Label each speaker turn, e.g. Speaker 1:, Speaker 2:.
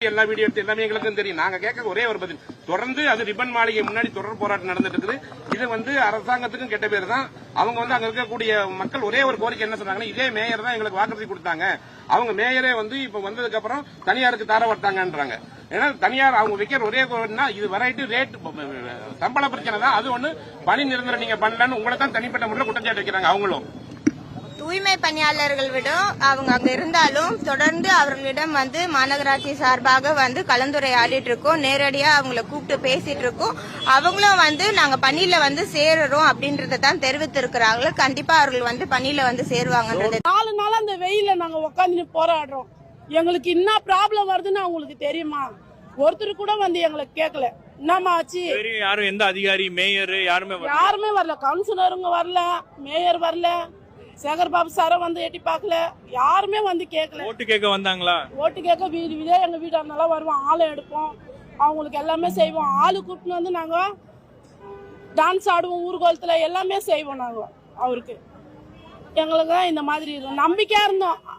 Speaker 1: எல்லா வீடியோ எடுத்து எல்லாமே எங்களுக்கும் தெரியும். நாங்க கேட்க ஒரே ஒரு பதில், தொடர்ந்து அது ரிப்பன் மாளிகை முன்னாடி தொடர் போராட்டம் நடந்துட்டு இருக்குது. இது அரசாங்கத்துக்கும் கெட்ட பேர் தான். அவங்க அங்க இருக்கக்கூடிய மக்கள் ஒரே ஒரு கோரிக்கை என்ன சொன்னாங்கன்னா, இதே மேயர் தான் எங்களுக்கு வாக்குறுதி கொடுத்தாங்க. அவங்க மேயரே இப்ப வந்ததுக்கு அப்புறம் தனியாருக்கு தாரவட்டாங்கன்றாங்க. ஏன்னா தனியார் அவங்க வைக்கிற ஒரே கோரிக்கைனா இது வெரைட்டி ரேட் சம்பள பிரச்சனை தான். அது ஒண்ணு பணி நிரந்தரம் நீங்க பண்ணலன்னு உங்களை தான் தனிப்பட்ட முறையில் குற்றச்சாட்டு வைக்கிறாங்க. அவங்களும்
Speaker 2: தூய்மை பணியாளர்கள் விட அவங்க அங்க இருந்தாலும் தொடர்ந்து அவர்களிடம் மாநகராட்சி சார்பாக கலந்துரையாடிட்டு இருக்கோம். நேரடியா அவங்களை கூப்பிட்டு பேசிட்டு இருக்கோம். அவங்களும் நாங்க பணியில சேருறோம் அப்படின்றத தான் தெரிவித்திருக்கிறாங்க. கண்டிப்பா அவர்கள் பணியில சேருவாங்கன்றது.
Speaker 3: 4 நாள் அந்த வெயில நாங்க உட்காந்து போராடுறோம். எங்களுக்கு என்ன ப்ராப்ளம் வருதுன்னு அவங்களுக்கு தெரியுமா? ஒருத்தர் கூட எங்களுக்கு கேட்கல. என்னமா ஆச்சு?
Speaker 4: யாரும் எந்த அதிகாரி மேயர்
Speaker 3: யாருமே வரல. கவுன்சிலருங்க வரல, மேயர் வரல, சேகர் பாபு சாரும் எட்டி பார்க்கல. யாருமே கேட்கல.
Speaker 4: ஓட்டு கேட்க வந்தாங்களா?
Speaker 3: ஓட்டு கேட்க வீடு வீடே எங்க வீடு இருந்தாலும் வருவோம். ஆளை எடுப்போம், அவங்களுக்கு எல்லாமே செய்வோம். ஆளு கூப்பிட்டு நாங்க டான்ஸ் ஆடுவோம், ஊர்கோலத்துல எல்லாமே செய்வோம். நாங்க அவருக்கு எங்களுக்கு இந்த மாதிரி நம்பிக்கையா இருந்தோம்.